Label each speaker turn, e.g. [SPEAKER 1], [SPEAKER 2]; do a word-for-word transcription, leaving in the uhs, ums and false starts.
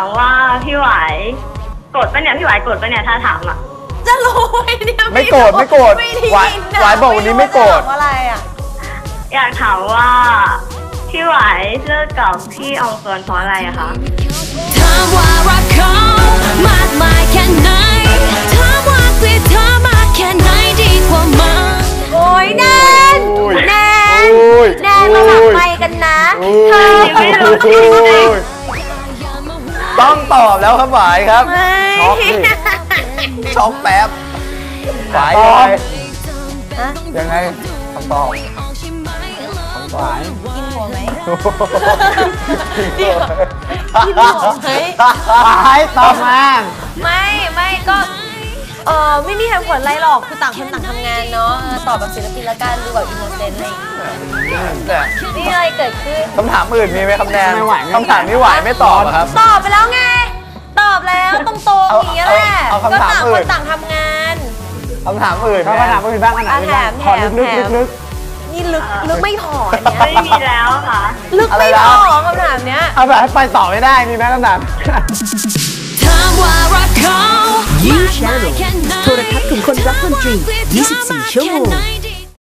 [SPEAKER 1] ว่าพี่ไหวโกรธปะเนี่ยพี่ไหวโกรธปะเนี่ยถ้าถามอ่ะ
[SPEAKER 2] จะรู้ไหมเนี่ย
[SPEAKER 3] ไม่โกรธไม่โกรธหวายหวายบอกวันนี้ไม่โกรธ
[SPEAKER 2] อะไรอ่ะ
[SPEAKER 1] อยากถามว่าพี่ไหวเลิกกับพี่อองเฟิร์นเพราะอะไรอะคะ
[SPEAKER 4] ถามว่ารักเขามากมายแค่ไหนถามว่าเกลียดเธอมากแค่ไหนดีกว่ามั้ง
[SPEAKER 2] โอ้ยแนนแนนแนนมาหลับไปกันนะ
[SPEAKER 1] เธอไม่รู้จริง
[SPEAKER 3] ต้องตอบแล้วครับหวายครับช็อกดิช็อกแป๊บหวายยังไงยังไงคำตอบหวาย
[SPEAKER 2] กินหัวไหมกินหัวไหม
[SPEAKER 3] หวายตอบมา
[SPEAKER 2] ไม่ไม่ก็เออไม่มีเหตุผลอะไรหรอกคือต่างคนต่างทำงานเนาะตอบแบบศิลปินละกันดูแบบอินโนเซนต์อะไรนี่อะไรเกิดขึ้น
[SPEAKER 3] คำถามอื่นมีไหมคำแนนคำถามนี้ไหวไม่ตอบครับ
[SPEAKER 2] ตอบไปแล้วไงตอบแล้วตรงๆอย่างนี้แหละก็ต่างคนต่างทำงาน
[SPEAKER 3] คำถามอื่นคำถามอื่นบ้างขนาดนี้ขอลึกลึกลึก
[SPEAKER 2] นี่ลึกลึกไม่พอเนี่ย
[SPEAKER 1] ไม่มีแล้วค่ะ
[SPEAKER 2] ลึกไม่พอคำถามเนี้ย
[SPEAKER 3] เอาแบบให้ไปต่อไม่ได้มีไหมคำถาม
[SPEAKER 4] ถามว่ารักเขา
[SPEAKER 5] You Channel โทรทัศน์ของคนรักดนตรียี่สิบสี่ชั่วโมง